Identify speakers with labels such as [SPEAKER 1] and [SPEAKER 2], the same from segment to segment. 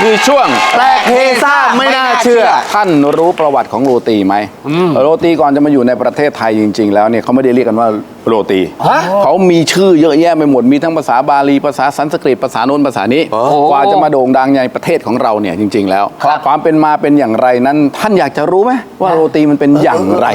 [SPEAKER 1] คือช่วง
[SPEAKER 2] แปลกเฮซ่าไม่น่าเชื่อ
[SPEAKER 1] ท่านรู้ประวัติของโรตีไหมโรตีก่อนจะมาอยู่ในประเทศไทยจริงๆแล้วเนี่ยเขาไม่ได้เรียกกันว่าโรตีเขามีชื่อเยอะแยะไปหมดมีทั้งภาษาบาลีภาษาสันสกฤตภาษาโน้นภาษานี้กว่าจะมาโด่งดังในประเทศของเราเนี่ยจริงๆแล้วความเป็นมาเป็นอย่างไรนั้นท่านอยากจะรู้ไหมว่าโรตีมันเป็นอย่างไร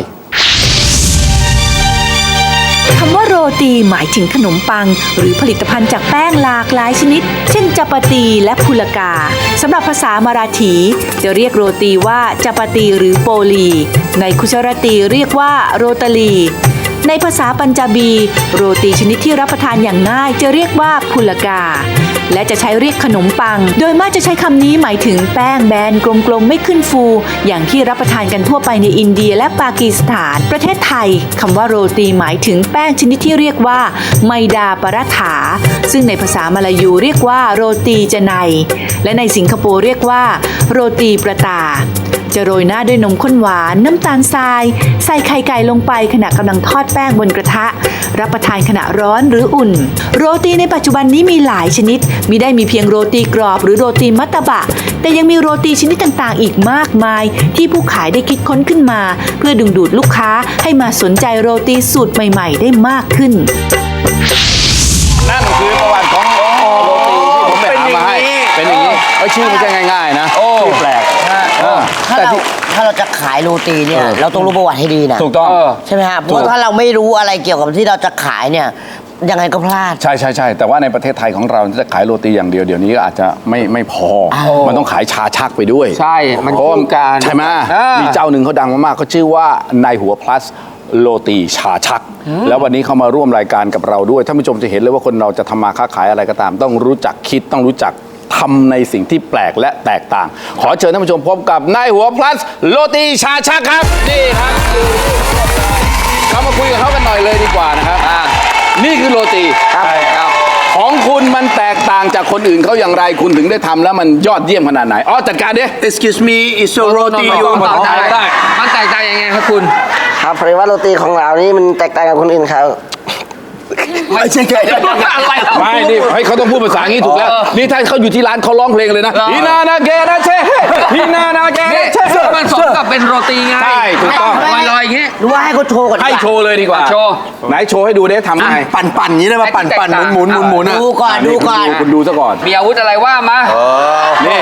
[SPEAKER 3] คำว่าโรตีหมายถึงขนมปังหรือผลิตภัณฑ์จากแป้งหลากหลายชนิดเช่นจัปาตีและพุลกาสำหรับภาษามาราถีจะเรียกโรตีว่าจัปาตีหรือโปลีในคุชรตีเรียกว่าโรตาลีในภาษาปัญจาบีโรตีชนิดที่รับประทานอย่างง่ายจะเรียกว่าพุลกาและจะใช้เรียกขนมปังโดยมากจะใช้คำนี้หมายถึงแป้งแบนกลมๆไม่ขึ้นฟูอย่างที่รับประทานกันทั่วไปในอินเดียและปากีสถานประเทศไทยคำว่าโรตีหมายถึงแป้งชนิดที่เรียกว่าไมดาปรัฐาซึ่งในภาษามลายูเรียกว่าโรตีจะไนและในสิงคโปร์เรียกว่าโรตีประตาจะโรยหน้าด้วยนมข้นหวานน้ำตาลทรายใส่ไข่ไก่ลงไปขณะกำลังทอดแป้งบนกระทะรับประทานขณะร้อนหรืออุ่นโรตีในปัจจุบันนี้มีหลายชนิดมิได้มีเพียงโรตีกรอบหรือโรตีมัตตบะแต่ยังมีโรตีชนิดต่างๆอีกมากมายที่ผู้ขายได้คิดค้นขึ้นมาเพื่อดึงดูดลูกค้าให้มาสนใจโรตีสูตรใหม่ๆได้มากขึ้น
[SPEAKER 1] นั่นคือประวัติของโรตีที่ผมไปหามาให้เป็นอย่างนี้ชื่อไม่ใช่ง่ายๆนะชื่อแปลก
[SPEAKER 2] ถ้าเราจะขายโรตีเนี่ยเราต้องรู้ประวัติให้ดีนะ
[SPEAKER 1] ถูกต้อง
[SPEAKER 2] ใช่ไหมครับเพราะถ้าเราไม่รู้อะไรเกี่ยวกับที่เราจะขายเนี่ยยังไงก็พลาด
[SPEAKER 1] ใช่แต่ว่าในประเทศไทยของเราจะขายโรตีอย่างเดียวเดี๋ยวนี้ก็อาจจะไม่พอมันต้องขายชาชักไปด้วย
[SPEAKER 4] ใช่มันคู่กัน
[SPEAKER 1] ใช่ไหมมีเจ้าหนึ่งเขาดังมากๆเขาชื่อว่านายหัว plus โรตีชาชักแล้ววันนี้เขามาร่วมรายการกับเราด้วยท่านผู้ชมจะเห็นเลยว่าคนเราจะทำมาค้าขายอะไรก็ตาม ต้องรู้จักคิดต้องรู้จักทำในสิ่งที่แปลกและแตกต่างขอเชิญท่านผู้ชมพบกับนายหัว plus โรตีชาชักครับนี่ครับเรามาคุยกับเขากันหน่อยเลยดีกว่านะครับนี่คือโรตีของคุณมันแตกต่างจากคนอื่นเขาอย่างไรคุณถึงได้ทำแล้วมันยอดเยี่ยมขนาดไหนจัดการดิ
[SPEAKER 5] Excuse me it's a roti
[SPEAKER 4] มันแตกต่างยังไงครับคุณ
[SPEAKER 2] ครับเพราะว่าโรตีของเรานี่มันแตกต่างกับคนอื่นเขา
[SPEAKER 5] ไม่ใช่ไง
[SPEAKER 4] อะไร
[SPEAKER 1] ไม่นี่ให้เขาต้องพูดภาษาอย่างนี้ถูกแล้วนี่ถ้าเขาอยู่ที่ร้านเขาร้องเพลงเลยนะฮินานาเกนะเช่ฮินานาเกนะเช่
[SPEAKER 4] มันสมกับเป็นโรตีไง
[SPEAKER 1] ใช่ถูกต้อง
[SPEAKER 4] ลอยอย่างงี้
[SPEAKER 2] หรือว่าให้เขาโชว์ก่อน
[SPEAKER 1] ให้โชว์เลยดีกว่า
[SPEAKER 4] โชว์
[SPEAKER 1] ไหนโชว์ให้ดูได้ทำไง
[SPEAKER 5] ปั่นอย่างนี้ได้ป่ะปั่นหมุน
[SPEAKER 2] ดูก่อน
[SPEAKER 1] คุณดูซะก่อน
[SPEAKER 4] มีอาวุธอะไรว่ามา
[SPEAKER 1] นี่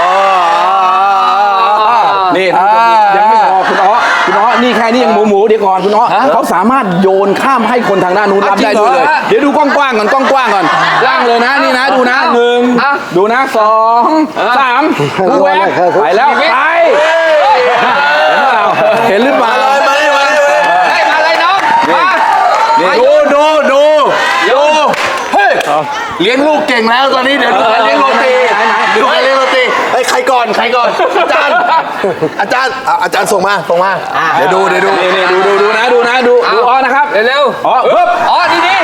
[SPEAKER 1] ยังไม่พอคุณนี่แค่นี้ยังหมูเดี๋ยวก่อนคุณเขาสามารถโยนข้ามให้คนทางด้านนู้นรับได้ด้วยเลยเดี๋ยวดูกว้างๆก่อนล่างเลยนะนี่นะดูนะ1ดูนะ2 3แหวกไปแล้วไปเห็นหรือเปล่า
[SPEAKER 4] มาเลยน้อง
[SPEAKER 5] ดูเฮ้ยเลี้ยงลูกเก่งแล้วตอนนี้เดี๋ยวดูการเลี้ยงโรตีดูการเลี้ยงโรตีใครก่อนอาจารย์ส่งมาเดี๋ยวดู
[SPEAKER 1] นี่ดูนะดูนะครับ
[SPEAKER 4] เร็ว
[SPEAKER 1] ปึ๊บ
[SPEAKER 4] นี่นี่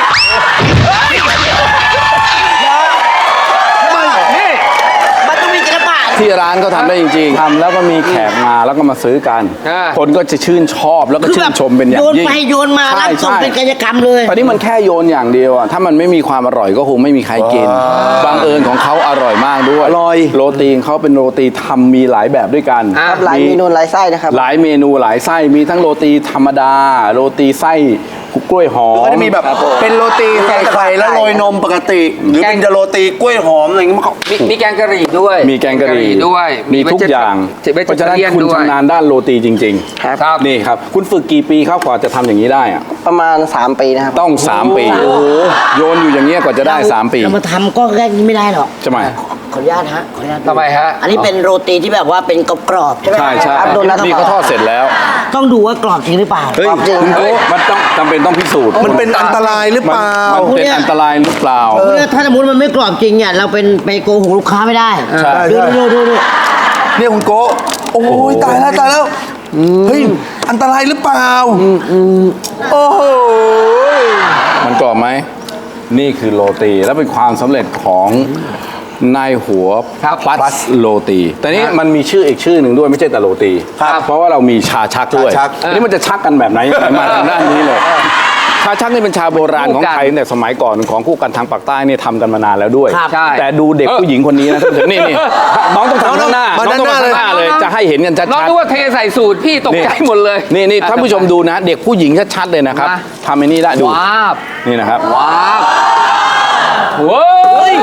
[SPEAKER 2] มันต้องมีศิลปะ
[SPEAKER 1] ที่ร้านเขาทำได้จริงๆทำแล้วก็มีแขกมาแล้วก็มาซื้อกันคนก็จะชื่นชอบแล้วก็ชื่นชมเป็นอย่างยิ่ง
[SPEAKER 2] โยนไปโยนมาแล้วส่งเป็นกิจกรรมเลย
[SPEAKER 1] ตอนนี้มันแค่โยนอย่างเดียวถ้ามันไม่มีความอร่อยก็คงไม่มีใครกินบังเอิญของเขาอร่อยมากด้วยโรตีเขาเป็นโรตีทำมีหลายแบบด้วยกัน
[SPEAKER 2] หลายเมนูหลายไส้นะครับ
[SPEAKER 1] หลายเมนูหลายไส้มีทั้งโรตีธรรมดาโรตีไส้กล้วยหอม
[SPEAKER 5] ก็จะมีแบบเป็นโรตีใส่ไข่แล้วโรยนมปกติหรือเป็นโรตีกล้วยหอมอะไรอย่างเงี้ย
[SPEAKER 4] มีแกงกะหรี่ด้วย
[SPEAKER 1] มีแกงกะหรี่
[SPEAKER 4] ด้วย
[SPEAKER 1] มีทุกอย่างเพราะฉะนั้นคุณชำนาญด้านโรตีจริงๆครับนี่ครับคุณฝึกกี่ปีครับกว่าจะทำอย่างนี้ได้อะ
[SPEAKER 2] ประมาณ3 ปีนะครับ
[SPEAKER 1] ต้อง3 ปีโอ้โหโยนอยู่อย่างเงี้ยกว่าจะได้3 ปี
[SPEAKER 2] เรามาทำก็แค่นี้ไม่ได้หรอก
[SPEAKER 1] ใช่ไหม
[SPEAKER 2] ขออนุญาตฮะ
[SPEAKER 4] ทำไมฮะ
[SPEAKER 2] อันนี้เป็นโรตีที่แบบว่าเป็นกรอบใช่ไหม
[SPEAKER 1] ใช่นี่เขาทอดเสร็จแล้ว
[SPEAKER 2] ต้องดูว่ากรอบจริงหรือเปล่ากรอบจริง
[SPEAKER 1] มันต้องจำเป็นต้องพิสูจน์
[SPEAKER 5] มันเป็นอันตรายหรือเปล่า
[SPEAKER 1] มันเป็นอันตรายหรือเปล่า
[SPEAKER 2] ถ้าสมมติมันไม่กรอบจริงเนี่ยเราไปโกหกลูกค้าไม่ได้ดู
[SPEAKER 5] เนี่ยคุณโกโอ้ยตายแล้วเฮ้ยอันตรายหรือเปล่าโอ้โห
[SPEAKER 1] มันกรอบไหมนี่คือโรตีและเป็นความสำเร็จของนายหัว plus โรตีแต่นี้มันมีชื่ออีกชื่อหนึ่งด้วยไม่ใช่แต่โรตีเพราะว่าเรามีชาชักด้วยนี่มันจะชักกันแบบไหนมาทางด้านนี้เลยชาชักนี่เป็นชาโบราณของไทยตั้งแต่สมัยก่อนของคู่กันทางปากใต้เนี่ยทำกันมานานแล้วด้วย
[SPEAKER 2] ครับ
[SPEAKER 4] ใช่
[SPEAKER 1] แต่ดูเด็กผู้หญิงคนนี้นะท่านผู้ชมนี่น้องต้องทำข้างหน้า
[SPEAKER 5] มา
[SPEAKER 1] น้องต้อง
[SPEAKER 5] ด้านหน้า
[SPEAKER 1] มาข้างหน้าเลยจะให้เห็นกันชัด
[SPEAKER 4] น้องนึกว่าเทใส่สูตรพี่ตกใจหมดเลย
[SPEAKER 1] นี่ท่านผู้ชมดูนะ เด็กผู้หญิงชัดๆเลยนะครับ
[SPEAKER 4] มา
[SPEAKER 1] ทำไอ้นี่ได้ดู
[SPEAKER 4] ว้าบ
[SPEAKER 1] นี่นะครับ
[SPEAKER 4] ว้าบโว้ย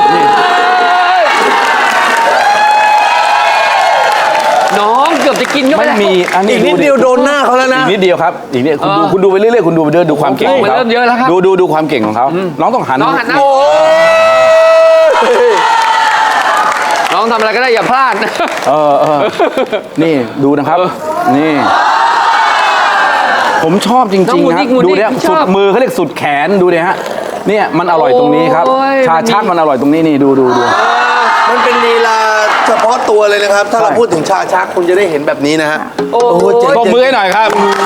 [SPEAKER 4] น้องเกือบจะกินเข้าไป
[SPEAKER 1] ไม่
[SPEAKER 4] แล้ว
[SPEAKER 1] มีอันนี้
[SPEAKER 5] อีกนิดเดียวโดนหน้าเขาแล้วนะ
[SPEAKER 1] อีกนิดเดียวครับอีกนิดคุณดูไปเรื่อยๆคุณดูไปเรื่อยๆดูความเก่งของ
[SPEAKER 4] มัน
[SPEAKER 1] เขา
[SPEAKER 4] เริ่มเยอะแล้วครับ
[SPEAKER 1] ดูความเก่งของเขาน้องต้องหัน
[SPEAKER 4] น้องหันหน้าน้องทำอะไรก็ได้อย่าพลาดนะ
[SPEAKER 1] นี่ดูนะครับ นี่ ผมชอบจริงๆ
[SPEAKER 4] น้องหมุน
[SPEAKER 1] นะ
[SPEAKER 4] อีกหมุนอีก
[SPEAKER 1] ดูเนี่ย
[SPEAKER 4] ช
[SPEAKER 1] สุ
[SPEAKER 4] อบ
[SPEAKER 1] ดมือเขาเรียกสุดแขนดูเนี่ยฮะเนี่ยมันอร่อยตรงนี้ครับ
[SPEAKER 4] โอ้ย
[SPEAKER 1] ชาชักมันอร่อยตรงนี้นี่ดู
[SPEAKER 5] มันเป็นลีลาเฉพาะตัวเลยนะครับ ถ้าเรา
[SPEAKER 1] ใช่
[SPEAKER 5] พูดถึงชาชักคุณจะได้เห็นแบบนี้นะฮะ
[SPEAKER 4] โอ้
[SPEAKER 5] เจ๋ง
[SPEAKER 1] ตบมือให้หน่อยครับ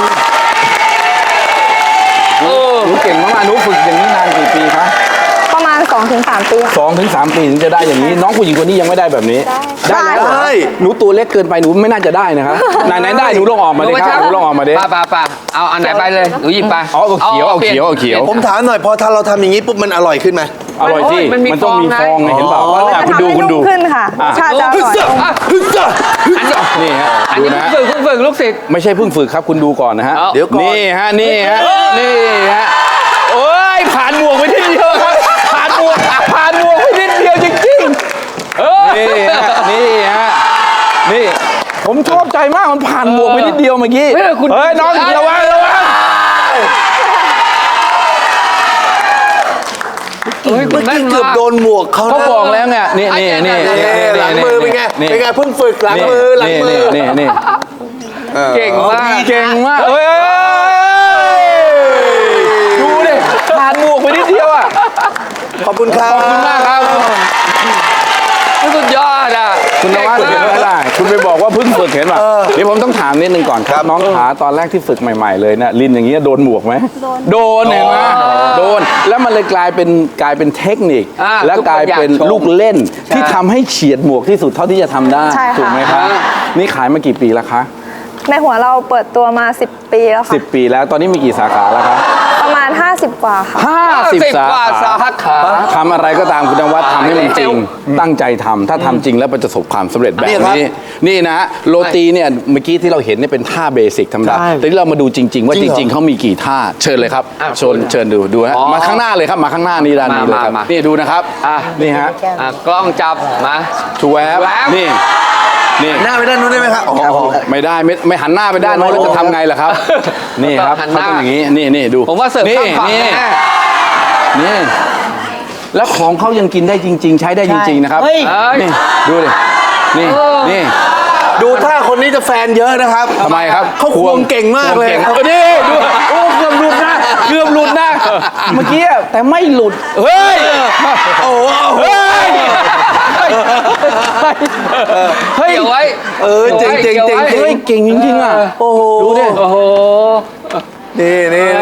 [SPEAKER 4] โอ้
[SPEAKER 1] หนูเก่งมากๆหนูฝึกอย่างนี้นานกี่ปีคะ
[SPEAKER 6] ประมาณ 2-3 ปีค่ะ
[SPEAKER 1] 2 ถึง 3 ปีถึงจะได้อย่างนี้ น้องผู้หญิงคนนี้ยังไม่ได้แบบนี้
[SPEAKER 6] ได้
[SPEAKER 1] แล้วเหรอ
[SPEAKER 5] ได้
[SPEAKER 1] หนูตัวเล็กเกินไปหนูไม่น่าจะได้นะครับไหนได้หนูลองออกมาดิครับหนูลองออกมาดิ
[SPEAKER 4] ป่าเอาอันไหนไปเลยหนูหยิบไป
[SPEAKER 1] เอาเขียวเอาเขียวเอาเขียว
[SPEAKER 5] ผมถามหน่อยพอถ้าเราทำอย่างนี้ปุ๊บมันอร่อยขึ้นไหม
[SPEAKER 1] อร่อยที่
[SPEAKER 4] มันมี
[SPEAKER 1] มันต้องมีฟองไงเห็นเปล่า
[SPEAKER 6] มันจะ
[SPEAKER 1] คุณ
[SPEAKER 6] ทำ
[SPEAKER 1] ดู
[SPEAKER 6] ให้
[SPEAKER 1] คุณดู
[SPEAKER 6] นุ่มขึ้นค่ะร
[SPEAKER 1] อ่ะ
[SPEAKER 6] สชาติจะอร่อย
[SPEAKER 4] อันนี้
[SPEAKER 1] นี่ฮะ
[SPEAKER 4] อัน
[SPEAKER 1] ดู
[SPEAKER 4] นี้
[SPEAKER 1] นะฮะ
[SPEAKER 4] เพิ่งฝึกลูกศิษย์
[SPEAKER 1] ไม่ใช่เพิ่งฝึกครับคุณดูก่อนนะฮะ
[SPEAKER 4] เอา
[SPEAKER 5] เดี๋ยวก่อน
[SPEAKER 1] นี่ฮะนี่ฮะโอ้ยผ่านหมวกไปนิดเดียวครับผ่านหมวกไปนิดเดียวจริงๆนี่ฮะนี่ผมชอบใจมากมันผ่านหมวกไปนิดเดียวเมื่อกี้
[SPEAKER 4] เฮ้ยคุณ
[SPEAKER 1] เฮ้ยน้องระวัง
[SPEAKER 4] เฮ้ยคุ
[SPEAKER 5] เมื่
[SPEAKER 4] ณ
[SPEAKER 5] อ
[SPEAKER 4] แม่
[SPEAKER 5] กี้
[SPEAKER 4] น
[SPEAKER 5] เกือบ
[SPEAKER 4] มาก
[SPEAKER 5] โดนหมวกเขา
[SPEAKER 1] เขา
[SPEAKER 5] นะ
[SPEAKER 1] บอกแล้วไงนี่
[SPEAKER 5] หลังมือเป็นไงเป็นไงเพิ่งฝึกหลังมือหลังมือ
[SPEAKER 1] นี่
[SPEAKER 4] เก่งมาก
[SPEAKER 1] เก่งมากเฮ้ยดูดิผ่านหมวกไปนิดเดียวอ่ะ
[SPEAKER 5] ขอบคุณครับ
[SPEAKER 1] ขอบคุณมากครับ
[SPEAKER 4] สุดยอดอ่ะ
[SPEAKER 1] คุณนวัด
[SPEAKER 4] เก่
[SPEAKER 1] เห็น
[SPEAKER 4] ง
[SPEAKER 1] ไหม
[SPEAKER 4] มาก
[SPEAKER 1] ล่ะคุณไปบอกว่าเพิ่งฝึกเห็นป่ะเดี๋ยวผมต้องถามนิดนึงก่อนครับน้องขาตอนแรกที่ฝึกใหม่ๆเลยเนี่ยลินอย่างเงี้ยโดนหมวกไหมโดนเห็นไหมโดนแล้วมันเลยกลายเป็นเทคนิค และกลายเป็นลูกเล่นที่ทำให้เฉียดหมวกที่สุดเท่าที่จะทำได้
[SPEAKER 6] ใช่ค่ะ
[SPEAKER 1] ถูกไหมครับนี่ขายมากี่ปีแล้วคะ
[SPEAKER 6] ในหัวเราเปิดตัวมา 10 ปีแล้วค่ะ
[SPEAKER 1] 10 ปีแล้วตอนนี้มีกี่สาขาแล้วครับ
[SPEAKER 6] ประมาณ 50 กว่าค่ะ
[SPEAKER 1] 50 สา
[SPEAKER 4] กว่าสา
[SPEAKER 1] ขา
[SPEAKER 4] ขา
[SPEAKER 1] ทำอะไรก็ตามคุณนวัดทำให้มันจริง ตั้งใจทำถ้าทำจริงแล้วมันจะประสบความสำเร็จแบบนี้ นี่นะโรตีเนี่ยเมื่อกี้ที่เราเห็นเนี่ยเป็นท่าเบสิกธรรมดาแต่ที่เรามาดูจริง ๆ ว่าจริง ๆเขามีกี่ท่าเชิญเลยครับเชิญดูฮะมาข้างหน้าเลยครับมาข้างหน้านี่ด้านนี้เลยครับนี่ดูนะครับนี่ฮะ
[SPEAKER 4] กล้องจับมา
[SPEAKER 1] ชูแวบนี่
[SPEAKER 5] หน้าไปด้านนู้นได้ไหมครับ
[SPEAKER 1] ไม่ได้ไม่หันหน้าไปด้านโน้นแล้วจะทำไงล่ะครับ นี่ครับ
[SPEAKER 4] หันห
[SPEAKER 1] เขา
[SPEAKER 4] น้า
[SPEAKER 1] ต้องอย่างนี้นี่ดู
[SPEAKER 4] ผมว่าเสิร์ฟ
[SPEAKER 1] นี่
[SPEAKER 4] ข้ามฝั่ง
[SPEAKER 1] นี่
[SPEAKER 4] แน่
[SPEAKER 1] นี่แล้วของเขายังกินได้จริง ๆ ใช้ได้จริง ๆ นะครับ
[SPEAKER 2] เฮ้ย
[SPEAKER 1] นี่ดูดินี่
[SPEAKER 5] ดูท่าคนนี้จะแฟนเยอะนะครับ
[SPEAKER 1] ทำไมครับ
[SPEAKER 5] เขาควงเก่งมากเลย
[SPEAKER 1] ควงนี่ดูโอ้เกือบหลุดนะเมื่อกี้อะแต่ไม่หลุดเฮ้ย
[SPEAKER 5] โอ้โห
[SPEAKER 1] เฮ้ย
[SPEAKER 4] เกี่ยวไว้
[SPEAKER 5] เจ๋ง
[SPEAKER 1] เฮ้ยเก่งจริงๆอ่ะ
[SPEAKER 5] โอ้โห
[SPEAKER 1] ดูดิ
[SPEAKER 4] โอ้โห
[SPEAKER 5] นี่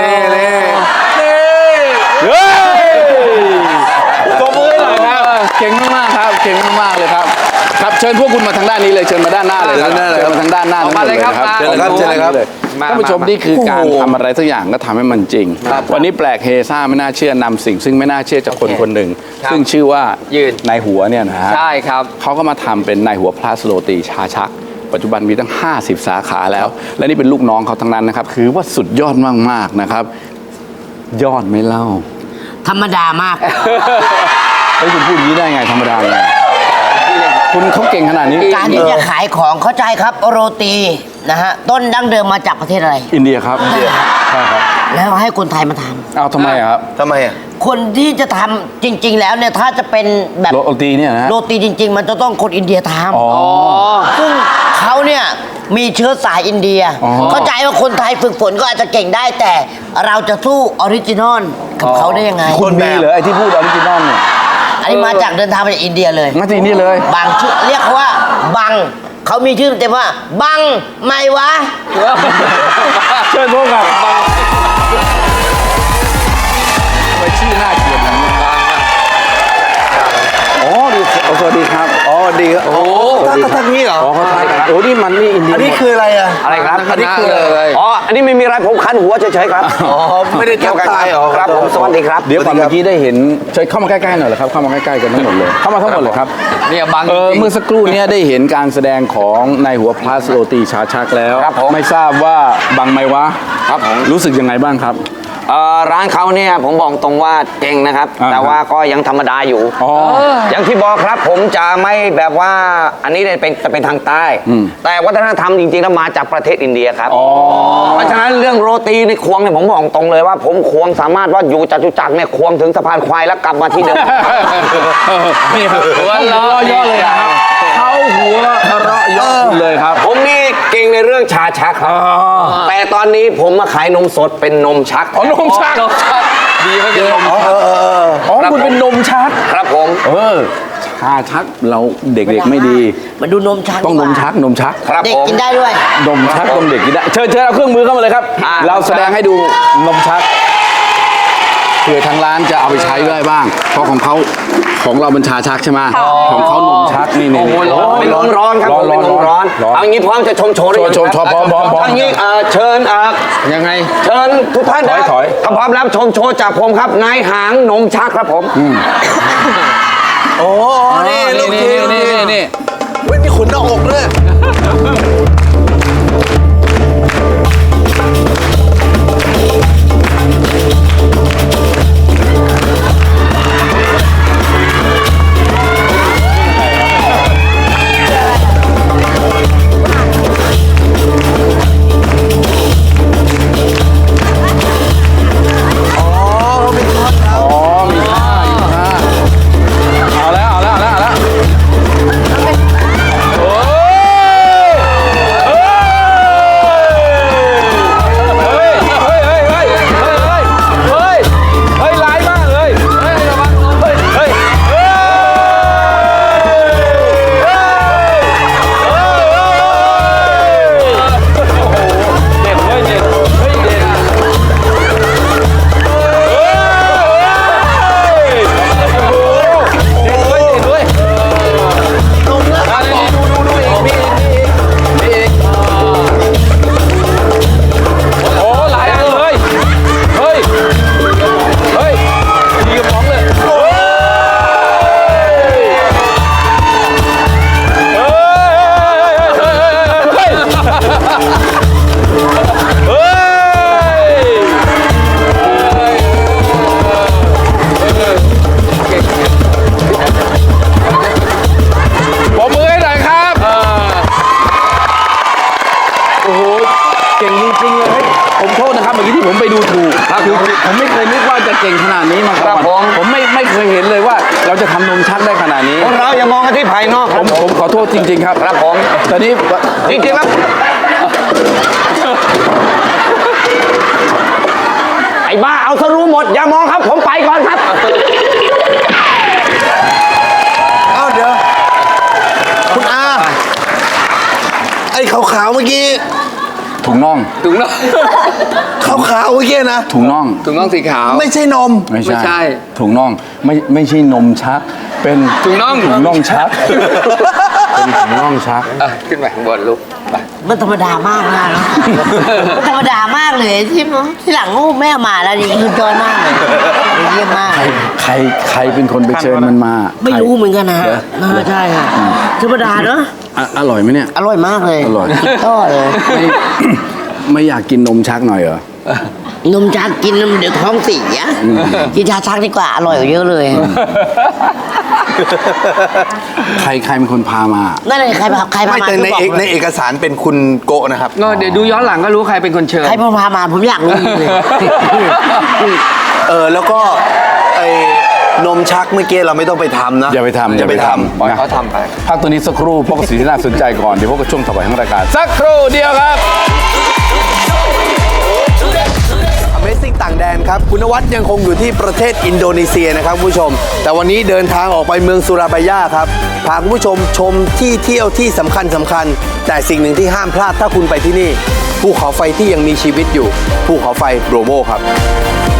[SPEAKER 1] เฮ้ยตบมือให้หน่อยครับเก่งมากๆครับเก่งมากๆเลยครับครับเชิญพวกคุณมาทางด้านนี้เลยเชิญมาด้านหน้าเลยครับเชิญมาทางด้านหน้า
[SPEAKER 4] ออกมาเลยครับ
[SPEAKER 1] เชิญเลยครับ
[SPEAKER 5] เชิญเลยครับ
[SPEAKER 1] ท่านผู้ชมนี่คือการทำอะไรสักอย่างก็ทำให้มันจริง วันนี้แปลกเฮซ่าไม่น่าเชื่อนำสิ่งซึ่งไม่น่าเชื่อจากคนคนหนึ่ง ซึ่งชื่อว่าในหัวเนี่ยนะฮะ
[SPEAKER 4] ใช่ครับ
[SPEAKER 1] เขาก็มาทำเป็นในหัวพลาสโรตีชาชัก ปัจจุบันมีตั้ง 50 สาขาแล้ว และนี่เป็นลูกน้องเขาทั้งนั้นนะครับคือว่าสุดยอดมากๆนะครับ ยอดไหม่เล่า
[SPEAKER 2] ธรรมดามาก
[SPEAKER 1] เฮ้ยคุณพูดอย่างนี้ได้ไงธรรมดาไงคุณเขาเก่งขนาดนี้
[SPEAKER 2] การที่จะขายของเข้าใจครับโรตีนะฮะต้นดั้งเดิมมาจากประเทศอะไร
[SPEAKER 1] อินเดียครับใช่ครับ
[SPEAKER 2] แล้วให้คนไทยมาท
[SPEAKER 1] เอาทำไมอะครับ
[SPEAKER 5] ทำไมอ่ะ
[SPEAKER 2] ำคนที่จะทำจริง ๆ แล้วเนี่ยถ้าจะเป็นแบบ
[SPEAKER 1] โรตีเนี่ยนะฮะ
[SPEAKER 2] โรตีจริง ๆ มันจะต้องคนอินเดียท
[SPEAKER 1] อ๋อ
[SPEAKER 2] ำซึ่งเขาเนี่ยมีเชื้อสายอินเดีย
[SPEAKER 1] อ๋อ
[SPEAKER 2] เข้าใจว่าคนไทยฝึกฝนก็อาจจะเก่งได้แต่เราจะสู้ออริจินอลกับเขาได้ยังไง
[SPEAKER 1] คุณมีเหรอไอ้ที่พูดออริจินอลเนี่ย
[SPEAKER 2] อันนี้มาจากเดินทางมาจากอินเดียเลย
[SPEAKER 1] มาที่นี่เลย
[SPEAKER 2] บางชื่อเรียกเขาว่าบังเขามีชื่อเต็มว่า บังไม่วะ
[SPEAKER 1] เชิญพวกกับไปชื่อน่าเกลียดนะอ๋อดีสวัสดีครับ
[SPEAKER 5] อ๋อดีครับโอ้ท่านี้เหรอ
[SPEAKER 1] อ๋อเขาไทยกันโอ้นี่มันนี่อินเดีย
[SPEAKER 5] อันนี้
[SPEAKER 1] หมด
[SPEAKER 5] คืออะไรอ่ะ
[SPEAKER 4] อะไรครับ
[SPEAKER 5] อันนี้คือ
[SPEAKER 4] เลย
[SPEAKER 5] อ๋อ
[SPEAKER 7] อันนี้ไม่มีอะไรผมคันหัวเฉยๆครับ
[SPEAKER 5] อ๋อไม่ได้ทักทายอ๋อ
[SPEAKER 7] ครับผมสวัสดีครับ
[SPEAKER 1] เดี๋ยวก่อนเมื่อกี้ได้เห็นเชิญเข้ามาใกล้ๆหน่อยเหรอครับเข้ามาใกล้ๆกันทั้งหมดเลยเข้ามาทั้งหมดเลยครับ
[SPEAKER 4] เนี่ยบัง
[SPEAKER 1] เออ
[SPEAKER 4] จริง
[SPEAKER 1] เมื่อสักครู่เนี้ได้เห็นการแสดงของนายหัวพลัสโรตีชาชักแล้ว
[SPEAKER 7] ครับผม
[SPEAKER 1] ไม่ทราบว่าบังไหมวะ
[SPEAKER 7] ครับผม
[SPEAKER 1] รู้สึกยังไงบ้างครับ
[SPEAKER 7] ร้านเขาเนี่ยผมบอกตรงว่าเก่งนะครับ
[SPEAKER 1] อ่า
[SPEAKER 7] แต่ว่าก็ยังธรรมดาอยู่
[SPEAKER 1] อ๋อ
[SPEAKER 7] อย่างที่บอกครับผมจะไม่แบบว่าอันนี้เนี่ยเป็นทางใต้ แต่วัฒนธรรมจริงๆแล้วมาจากประเทศอินเดียครับเพราะฉะนั้นเรื่องโรตีในควงเนี่ยผมบอกตรงเลยว่าผมควงสามารถว่าอยู่จตุจักรเนี่ยควงถึงสะพานควายแล้วกลับมาที่เดิม
[SPEAKER 1] นี่ครับหัวเราะเยอะเลยครับเขาหัวเราะเยอะเลยครับ
[SPEAKER 7] ผมนี่เก่งในเรื่องชาชักครับแต่ตอนนี้ผมมาขายนมสดเป็นนมชัก
[SPEAKER 1] อ๋อนมชัก
[SPEAKER 4] ดีไม่เป็นลม
[SPEAKER 1] อ๋อคุณเป็นนมชัก
[SPEAKER 7] ครับผม
[SPEAKER 1] ชาชักเราเด็กๆไม่ดี
[SPEAKER 2] มาดูนมชัก
[SPEAKER 1] ต้องนม
[SPEAKER 2] ดีกว่า
[SPEAKER 1] ชักนมชัก
[SPEAKER 7] ครับ
[SPEAKER 2] เด็ก
[SPEAKER 7] ผม
[SPEAKER 2] กินได้ด้วย
[SPEAKER 1] นมชักต้องเด็กกินได้เชิญเอาเครื่องมือเข้ามาเลยครับ เราแสดงให้ดูนมชักเผื่อทางร้านจะเอาไปใช้ได้บ้าง เพราะของเราเป็นชาชักใช่ไหมของเขานมชักนี่
[SPEAKER 7] โอ้โหเป็นนมร้อนครับผมเป็นนมร้อนเอางี้พร้อมจะชมโชว์หรือยัง
[SPEAKER 1] โชว์พร้อม
[SPEAKER 7] เอางี้เชิญ
[SPEAKER 1] ยังไง
[SPEAKER 7] เชิญทุกท่านนะ
[SPEAKER 1] ถอย
[SPEAKER 7] ถ้าพร้อมแล้วชมโชว์จากผมครับนายหางนมชักครับผม
[SPEAKER 5] โอ้นี่ลูกทีม
[SPEAKER 1] นี่
[SPEAKER 5] เว้ยมีขนหน้าอกด้วย
[SPEAKER 1] เอาแล้วโอ้ยร้ายมากเลยระวังเฮ้ยเด็ดเว้ยเด็ดเฮ้ยเด็ดโอ้หลายอันเลยเฮ้ยดีกับน้องเลยเฮ้ปรบมือให้หน่อยครับ โอ้โห เก่งจริงๆเลยผมโทษนะครับเมื่อกี้ที่ผมไปดูถูกคือผมไม่เคยนึกว่าจะเก่งขนาดนี้มาก่อนผมไม่เคยเห็นเลยว่าเราจะทำนมชักได้ขนาดนี้
[SPEAKER 7] พวกเราอย่ามองกันที่ภายนอก
[SPEAKER 1] ผมขอโทษจริง ๆ ครับ
[SPEAKER 7] ครับผม
[SPEAKER 1] ตอนนี้
[SPEAKER 7] จริงๆแล้วไอ้บ้าเอาซะรู้หมดอย่ามองครับผมไปก่อนครับ
[SPEAKER 5] เอ้าเดี๋ยว คุณอา ไอ้ขาวๆเมื่อกี้
[SPEAKER 1] ถุงน่อง
[SPEAKER 5] ขาวๆเมื่อกี้นะ
[SPEAKER 1] ถุงน่อง
[SPEAKER 4] ถุงน่องสีขาว
[SPEAKER 5] ไม่ใช่นม
[SPEAKER 1] ไม่
[SPEAKER 4] ไม่ใช่
[SPEAKER 1] ถุงน่องไม่ใช่นมชัก เป็น
[SPEAKER 4] ถุงน่อง
[SPEAKER 1] ถุงน่องชัก เป็นถุงน่องชัก
[SPEAKER 4] ขึ้นไปข้างบนลูกไป
[SPEAKER 2] มันธรรมดามากนะมันธรรมดามากเลยที่หลังลูกแม่มาแล้วนี่คือจอยมากเลยเยี่ยมมาก
[SPEAKER 1] ใครเป็นคนไปเชิญมันมา
[SPEAKER 2] ไม่รู้เหมือนกันนะฮะ
[SPEAKER 1] เหรอ
[SPEAKER 2] ใช่ค่ะธรรมดาเนาะ
[SPEAKER 1] อร่อยไหมเนี่ย
[SPEAKER 2] อร่อยมากเลย
[SPEAKER 1] อร่อย
[SPEAKER 2] ก็เลย
[SPEAKER 1] ไม่อยากกินนมชักหน่อยเหรอ
[SPEAKER 2] นมชักกินแล้วเดี๋ยวท้องเสียกินชาชักดีกว่าอร่อยกว่าเยอะเลย
[SPEAKER 1] ใครเป็นคนพามา
[SPEAKER 2] นั่นเลยใครพา
[SPEAKER 5] ไม่
[SPEAKER 2] มา
[SPEAKER 5] แต่ใน
[SPEAKER 2] ช่วยบอกหน่อย
[SPEAKER 5] เอกสารเป็นคุณโกะนะครับ
[SPEAKER 4] ก็เดี๋ยวดูย้อนหลังก็รู้ใครเป็นคนเชิญ
[SPEAKER 2] ใครพามาผมอยากรู้จริงเลย
[SPEAKER 5] แล้วก็ไอ้นมชักเมื่อกี้เราไม่ต้องไปทำนะ
[SPEAKER 1] อย่าไปทำ
[SPEAKER 5] อย่าไปท
[SPEAKER 4] ปล่อยเขาทำไป
[SPEAKER 1] พักตัวนี้สักครู่พวกบสิ่งที่น่าสนใจก่อน เดี๋ยวพวกกับช่วงต่อไปของรายการ สักครู่เดียวครับ
[SPEAKER 5] Amazing ต่างแดนครับ คุณนวัดยังคงอยู่ที่ประเทศอินโดนีเซียนะครับคุณผู้ชม แต่วันนี้เดินทางออกไปเมืองสุราบายาครับ พาคุณผู้ชมชมที่เที่ยวที่สำคัญ แต่สิ่งหนึ่งที่ห้ามพลาดถ้าคุณไปที่นี่ ภูเขาไฟที่ยังมีชีวิตอยู่ ภูเขาไฟโบรโมครับ